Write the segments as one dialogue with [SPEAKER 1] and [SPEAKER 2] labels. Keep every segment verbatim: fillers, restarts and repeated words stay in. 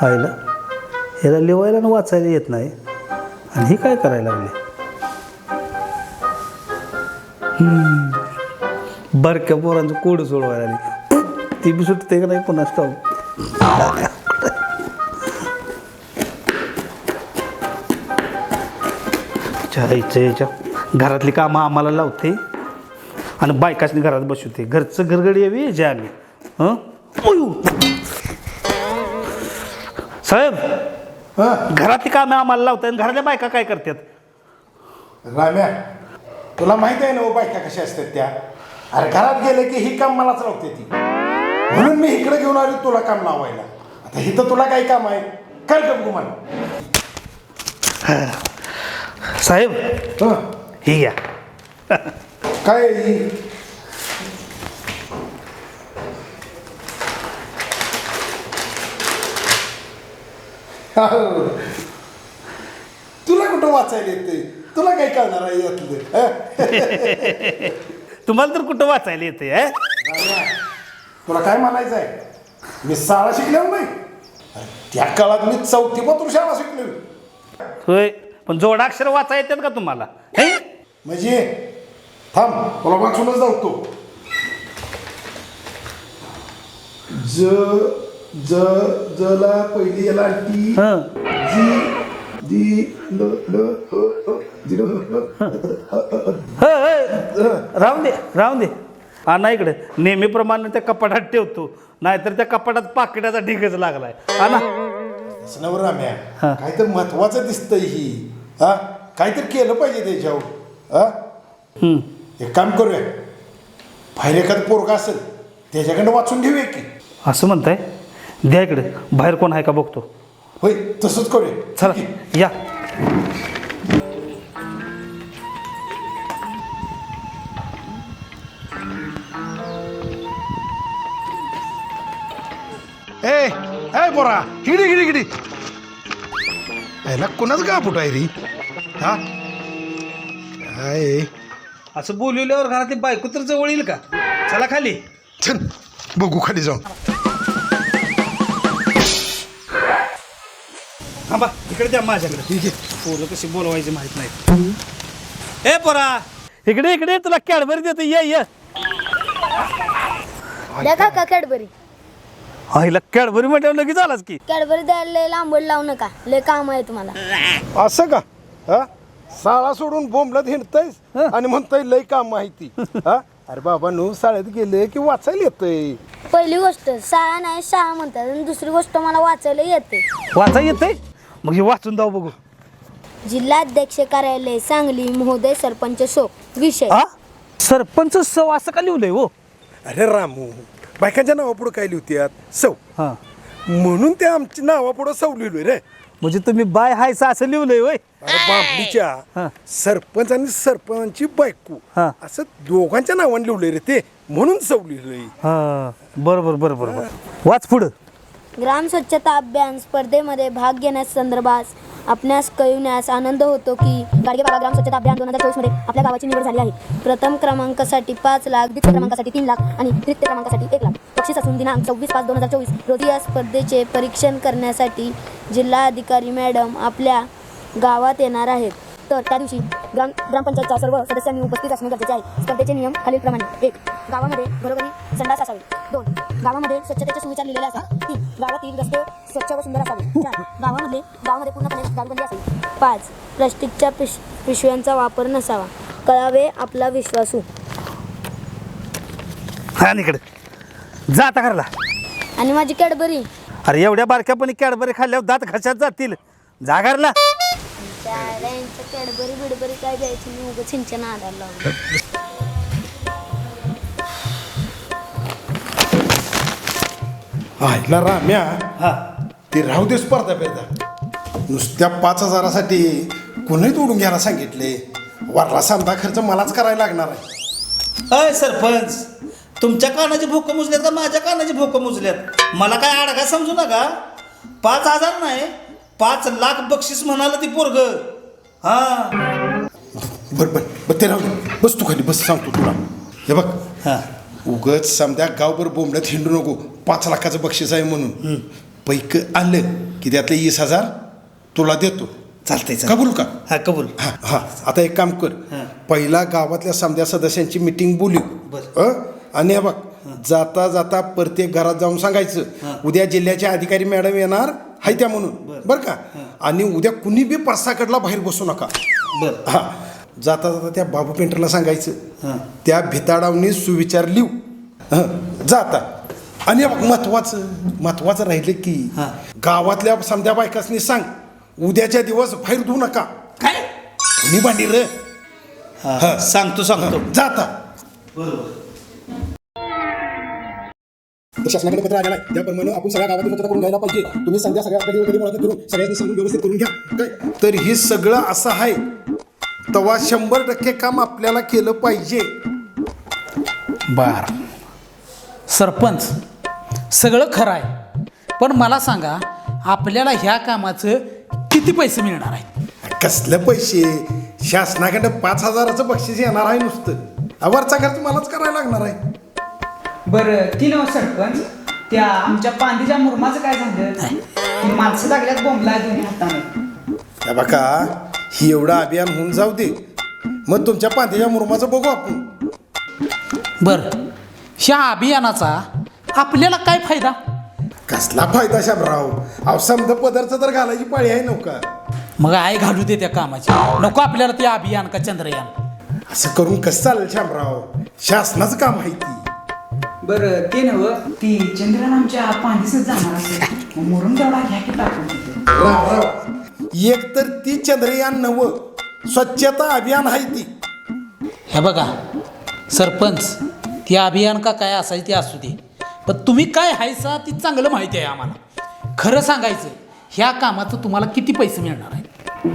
[SPEAKER 1] आईला ह्याला लिवायला आणि वाचायला येत नाही आणि हे काय करायला लागले. बरक्या पोरांचं कोड सोडवायला लागले. ती बी सुटते का नाही पुन्हा स्टॉप. याच्या याच्या घरातली कामं आम्हाला लावते आणि बायकाशनी घरात बसवते. घरचं घरगडी यावी जे आम्ही हं साहेब घरातली कामं आम्हाला लावतात आणि घरातल्या बायका काय करतात.
[SPEAKER 2] राम्या तुला माहिती आहे ना हो बायका कशा असतात त्या. अरे घरात गेले की ही काम मलाच लावते ती, म्हणून मी इकडे घेऊन आलो तुला काम लावायला. आता इथं तुला काही काम आहे कर का गुमान.
[SPEAKER 1] साहेब ही घ्या.
[SPEAKER 2] काय तुला कुठं वाचायला येते, तुला काय कळणार आहे यातलं.
[SPEAKER 1] तुम्हाला तर कुठं वाचायला येते.
[SPEAKER 2] तुला काय म्हणायचं आहे, मी शाळा शिकलेलो नाही. त्या काळात मी चौथी पत्र शाळा शिकलेलो.
[SPEAKER 1] होय पण जोडाक्षर वाचा येतात का तुम्हाला.
[SPEAKER 2] म्हणजे थांब तुला वाचूनच जाऊ. ज ज जला पहिली याला टी जी दी ल ल जी
[SPEAKER 1] राहून दे राहून दे. हा नाही इकडे नेहमीप्रमाणे त्या कपाटात ठेवतो, नाहीतर त्या कपाटात पाकिटाचा ढिगच लागलाय. हा ना
[SPEAKER 2] नवर राम्या काहीतरी महत्वाचं दिसतंय ही. हा काहीतरी केलं पाहिजे त्याच्यावर. हा एक काम करूया, बाहेर एखादं पोरगा असेल त्याच्याकडे वाचून घेऊया की.
[SPEAKER 1] असं म्हणताय. द्या इकडे बाहेर कोण आहे का बघतो.
[SPEAKER 2] होय तसंच करूया.
[SPEAKER 1] चला या.
[SPEAKER 2] ए ए पोरा हिडी हिडी हिडी. याला कोणाच का फुट आहे रे. हा काय
[SPEAKER 1] असं बोलवल्यावर घरातली बायको तर जवळ येईल का. चला खाली.
[SPEAKER 2] चल बघू खाली जाऊन.
[SPEAKER 1] हा बा इकडे द्या माझ्याकडे. ठीक आहे. पोरं कशी बोलवायची माहित नाही. ए पोरा इकडे इकडे तुला कॅडबरी देतो. ये ये
[SPEAKER 3] द्या का कॅडबरी.
[SPEAKER 1] आईला कॅडबरी म्हटल्यावर लगेच आलाच की.
[SPEAKER 3] कॅडबरी द्यायला लय लांबड लावू नका, लय काम आहे तुम्हाला.
[SPEAKER 2] असं का. हा शाळा सोडून बोंबलत हिंडतायस आणि म्हणताय लय काम माहिती. हा अरे बाबा नो शाळेत गेले की वाचायला येतंय.
[SPEAKER 3] पहिली गोष्ट शाळा नाही शाळा म्हणतात, आणि दुसरी गोष्ट मला वाचायला येते.
[SPEAKER 1] वाचा येते मग हे वाचून जाऊ बघू.
[SPEAKER 3] जिल्हाध्यक्ष कार्यालय सांगली महोदय सरपंच शो विषय.
[SPEAKER 1] हा सरपंच सव असं का लिहिलंय हो.
[SPEAKER 2] अरे रामू बायकांच्या नावापुढं काय लिहित्यात सौ,
[SPEAKER 1] हा
[SPEAKER 2] म्हणून ते आमच्या नावापुढं सौ लिहिलोय रे.
[SPEAKER 1] म्हणजे तुम्ही बाय हायसा असं लिहिलंय होय.
[SPEAKER 2] अरे बाबलीच्या सरपंच आणि सरपंचची बायको
[SPEAKER 1] हा.
[SPEAKER 2] असं दोघांच्या नावाने लिहिलंय रे ते, म्हणून सौ लिहिलंय.
[SPEAKER 1] हा बरोबर बरोबर बरोबर. वाच पुढं.
[SPEAKER 3] ग्राम स्वच्छता अभियान स्पर्धेमध्ये भाग घेण्यास संदर्भात आपणास कळविण्यास आनंद होतो की गाडगेबाबा ग्राम स्वच्छता अभियान दोन हजार चोवीस मध्ये आपल्या गावाची निवड झाली आहे. प्रथम क्रमांकासाठी पाच लाख, द्वितीय क्रमांकासाठी तीन लाख आणि तृतीय क्रमांकासाठी एक लाख बक्षीस असून दिनांक सव्वीस पाच दोन हजार चोवीस रोजी या स्पर्धेचे परीक्षण करण्यासाठी जिल्हा अधिकारी मॅडम आपल्या गावात येणार आहेत. तर त्या दिवशी ग्राम ग्रामपंचायतच्या सर्व सदस्यांनी उपस्थित असणे गरजेचे आहे. स्पर्धेचे नियम खालीलप्रमाणे. एक गावामध्ये घरोघरी संडास असावे. दोन गावामध्ये स्वच्छतेचे सुविचार लिहिलेले असावे. तीन गावातील रस्ते स्वच्छ व सुंदर असावे. चार गावामध्ये गावामध्ये पूर्णपणे दारूबंदी असावी. पाच प्लास्टिकच्या पिश पिशव्यांचा वापर नसावा. कळावे आपला विश्वासू.
[SPEAKER 1] हा इकडे जा आता घरला.
[SPEAKER 3] आणि माझी कॅडबरी.
[SPEAKER 1] अरे एवढ्या बारक्यापणी कॅडबरी खाल्ल्यावर दात घशात जातील. जा घरला.
[SPEAKER 3] कॅडबरी बिडबरी काय द्यायची मी उगाच सिंचन आधार लावलं.
[SPEAKER 2] आईला राम्या
[SPEAKER 1] हा
[SPEAKER 2] ते राहू दे स्पर्धा पेदा. नुसत्या पाच हजारासाठी कोणी तोडून घ्यायला सांगितले. वरला समजा खर्च मलाच करायला लागणार आहे.
[SPEAKER 1] अय सरपंच तुमच्या कानाची भोकं मुजल्यात का माझ्या कानाची भोकं मुजल्यात. मला काय अडगा समजू नका. पाच हजार नाही पाच लाख बक्षीस म्हणाल ती पोरग. हा
[SPEAKER 2] बरं बरं बरं ते राहू दे. बस तू खाली बस, सांगतो तुला. हे बघ
[SPEAKER 1] हा
[SPEAKER 2] उगच समजा गावभर बोंबल्यात हिंडू नको पाच लाखाचं बक्षीस आहे म्हणून. पैक आलं की त्यातले वीस हजार तुला देतो.
[SPEAKER 1] चालतंय
[SPEAKER 2] कबूल का?
[SPEAKER 1] हा कबूल.
[SPEAKER 2] हा हा आता एक काम कर,
[SPEAKER 1] हां.
[SPEAKER 2] पहिला गावातल्या समध्या सदस्यांची मिटिंग बोलू.
[SPEAKER 1] बरं.
[SPEAKER 2] अ? आणि हे बघ, जाता जाता प्रत्येक घरात जाऊन सांगायचं
[SPEAKER 1] हां.
[SPEAKER 2] उद्या जिल्ह्याचे अधिकारी मॅडम येणार हाय त्या म्हणून.
[SPEAKER 1] बरं.
[SPEAKER 2] बरं का? आणि उद्या कुणी बी परसाकडला बाहेर बसू नका.
[SPEAKER 1] बर
[SPEAKER 2] हा जाता जाता त्या बाबू पेंटरला सांगायचं
[SPEAKER 1] हां.
[SPEAKER 2] त्या भिताडावनी सुविचार लिहू. हं जाता. आणि हे बघ, महत्वाचं महत्वाचं राहिलं की
[SPEAKER 1] हां.
[SPEAKER 2] गावातल्या समध्या बायकासनी सांग उद्याच्या दिवस बाहेर धुवू नका.
[SPEAKER 1] काय?
[SPEAKER 2] कुणी भांडी रे.
[SPEAKER 1] हा,
[SPEAKER 2] हां.
[SPEAKER 1] सांगतो सांगतो.
[SPEAKER 2] जाता.
[SPEAKER 1] बरोबर.
[SPEAKER 2] तर शासनाकडे पत्र आलेलं आहे त्याप्रमाणे आपण सगळ्या गावातील स्वच्छता करून घ्यायला पाहिजे. तुम्ही संध्या सगळ्या कधी कधी मुलाखत करून सगळ्यांनी सांगून व्यवस्थित करून घ्या. काय तर हे सगळं असं आहे तेव्हा शंभर टक्के काम आपल्याला केलं पाहिजे.
[SPEAKER 4] बर सरपंच सगळं खरं आहे, पण मला सांगा आपल्याला ह्या कामाचं किती पैसे मिळणार आहेत?
[SPEAKER 2] कसलं पैसे? शासनाकडे पाच हजाराचं बक्षीस येणार आहे नुसतं. हा वरचा खर्च मलाच करायला लागणार आहे.
[SPEAKER 5] बरं ती नव सरपंच त्या आमच्या पांदीच्या मुरमाचं काय झालं? ती माणसं लागल्यात बोंबला दोन्ही हाताने.
[SPEAKER 2] हे बघा, ही एवढं अभियान होऊन जाऊ दे, मग तुमच्या पांथीच्या मुरमाचं बघू आपण.
[SPEAKER 4] बर ह्या अभियानाचा आपल्याला काय फायदा?
[SPEAKER 2] कसला फायदा शामराव? अहो समजा पदार्थ तर घालायची पाळी आहे नव्हता.
[SPEAKER 4] मग आई घालू दे त्या कामाची, नको आपल्याला ते अभियान का चंद्रयान.
[SPEAKER 2] असं करून कसं चालेल शामराव? शासनाचं काम आहे ती.
[SPEAKER 5] बरं ते नव ती चंद्रन आमच्या पांदीसच जाणार असेल, मग मुरुम तेवढा घ्या की टाकून तिथे.
[SPEAKER 2] राव, राव. एक तर ती चंद्रयान नव स्वच्छता अभियान आहे ती.
[SPEAKER 4] हे बघा सरपंच, ती अभियान का काय असायची ते असू दे, पण तुम्ही काय हायसा ती चांगलं माहिती आहे आम्हाला. खरं सांगायचं ह्या कामाचं तुम्हाला किती पैसे मिळणार आहे?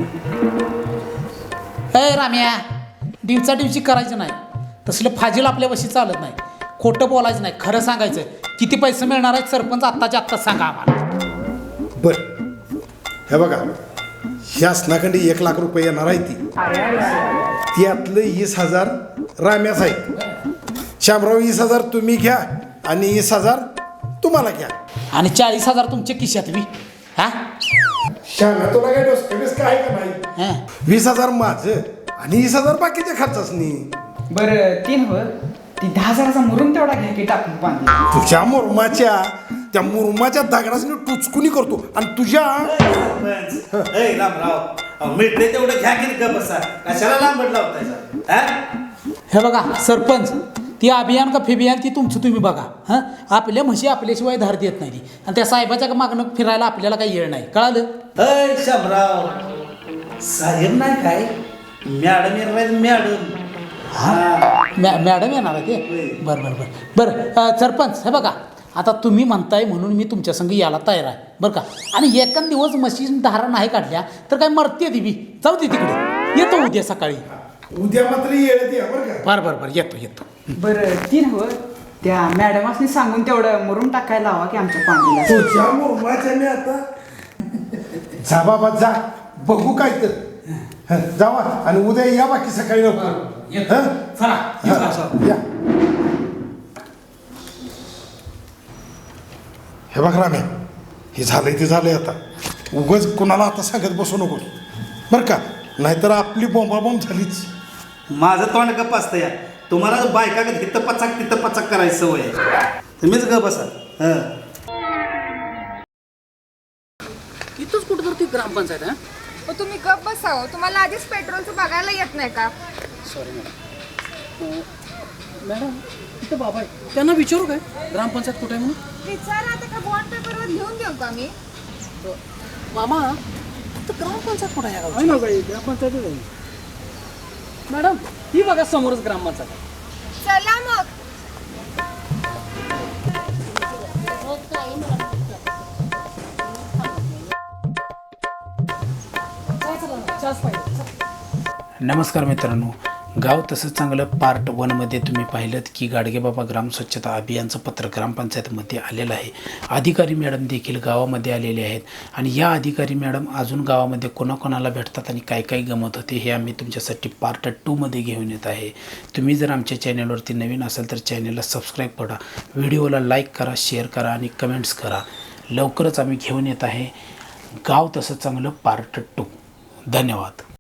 [SPEAKER 4] अय राम्या, दिवसा दिवशी करायचं नाही, तसलं फाजील आपल्या वशी चालत नाही. खोटं बोलायचं नाही, खरं सांगायचं. किती पैसे मिळणार आहेत सरपंच आत्ताच्या आत्ता सांगा आम्हाला.
[SPEAKER 2] बर हे बघा, शासनाकडे एक लाख रुपये येणार आहे ती. त्यातलं वीस हजार राम्याच आहे. शामराव वीस हजार तुम्ही घ्या आणि वीस हजार तुम्हाला घ्या.
[SPEAKER 4] आणि चाळीस हजार तुमच्या खिशात बी. हा
[SPEAKER 2] शाम्या तुला काय डोस काय का नाही?
[SPEAKER 4] हां.
[SPEAKER 2] वीस हजार माझं आणि वीस हजार बाकीच्या खर्चासनी.
[SPEAKER 5] बरं ती नव ती दहा हजाराचा मुरुम तेवढा घ्या की टाकून पांदी.
[SPEAKER 2] तुझ्या मुरमाच्या त्या मुरमाच्या दगडासनी टुचकुनी करतो आणि तुझ्या
[SPEAKER 1] सरपंच, ए रामराव, अहो, मिळते तेवढं घ्या की ग बसा, कशाला लांबड लावतायचा? हा?
[SPEAKER 4] हे बघा सरपंच, ती अभियान का फिबियान ती तुमचं तुम्ही बघा. हां आपल्या म्हशी आपल्याशिवाय धार देत नाही ती, आणि त्या साहेबाच्या मागणं फिरायला आपल्याला काही येळ नाही, कळालं?
[SPEAKER 1] अय शामराव, साहेब नाही काय, मॅडम येणार मॅडम. हा
[SPEAKER 4] मॅ मॅडम येणार आहे ते. बरं बरं बरं बरं अं, सरपंच हे बघा, आता तुम्ही म्हणताय म्हणून मी तुमच्या संग यायला तयार आहे बरं का. आणि एकान दिवस म्हशी धारा नाही काढल्या तर काय मरते दिवी, जाऊ दे तिकडे, येतो उद्या सकाळी.
[SPEAKER 2] उद्या मात्र येत या बरं का.
[SPEAKER 4] बरं बरं बरं येतो येतो.
[SPEAKER 5] बरं ती नव त्या मॅडमासनी सांगून तेवढं मुरुम टाकायला लावा की आमच्या पांदीला.
[SPEAKER 2] तुझ्या मुरमाच्या मी आता जा बाबा जा, बघू काय तर. हं, जावा आणि उद्या या बाकी सकाळी लवकर.
[SPEAKER 4] येतो.
[SPEAKER 2] हं?
[SPEAKER 4] चला येतो.
[SPEAKER 2] हं, या. हे बघ राम्या, हे झालंय ते झालंय. आता उगाच कुणाला आता सांगत बसू नको बरं का, नाहीतर आपली बोंबाबोंब झालीच.
[SPEAKER 1] माझं तोंड गप असतं या. तुम्हाला बायका का तिथं पचाक तिथं पचाक करायची सवय आहे, तुम्हीच गप बसा. हं.
[SPEAKER 4] इथंच कुठं तर ती ग्रामपंचायत आहे.
[SPEAKER 6] हो तुम्ही गप बसावं, तुम्हाला आधीच पेट्रोलचं बघायला येत नाही का?
[SPEAKER 4] Sorry madam. मॅडम इथं बाबा आहे, त्यांना विचारू काय ग्रामपंचायत कुठे आहे म्हणून?
[SPEAKER 6] विचारा आता का बॉन्ड पेपरवर लिहून देऊ का मी?
[SPEAKER 4] मामा तर ग्रामपंचायत कुठे आहे? ना बाई ग्रामपंचायत आहे मॅडम, ही बघा समोरच ग्रामपंचायत आहे.
[SPEAKER 6] चला मग.
[SPEAKER 4] नमस्कार मित्रांनो, गाव तसं चांगलं पार्ट वनमध्ये तुम्ही पाहिलं की गाडगेबाबा ग्राम स्वच्छता अभियानचं पत्र ग्रामपंचायतमध्ये आलेलं आहे. अधिकारी मॅडम देखील गावामध्ये आलेले आहेत आणि या अधिकारी मॅडम अजून गावामध्ये कोणाकोणाला भेटतात आणि काय काय गमत होते हे आम्ही तुमच्यासाठी पार्ट टूमध्ये घेऊन येत आहे. तुम्ही जर आमच्या चॅनलवरती नवीन असाल तर चॅनलला सबस्क्राईब करा, व्हिडिओला लाईक करा, शेअर करा आणि कमेंट्स करा. लवकरच आम्ही घेऊन येत आहे गाव तसं चांगलं पार्ट टू. धन्यवाद.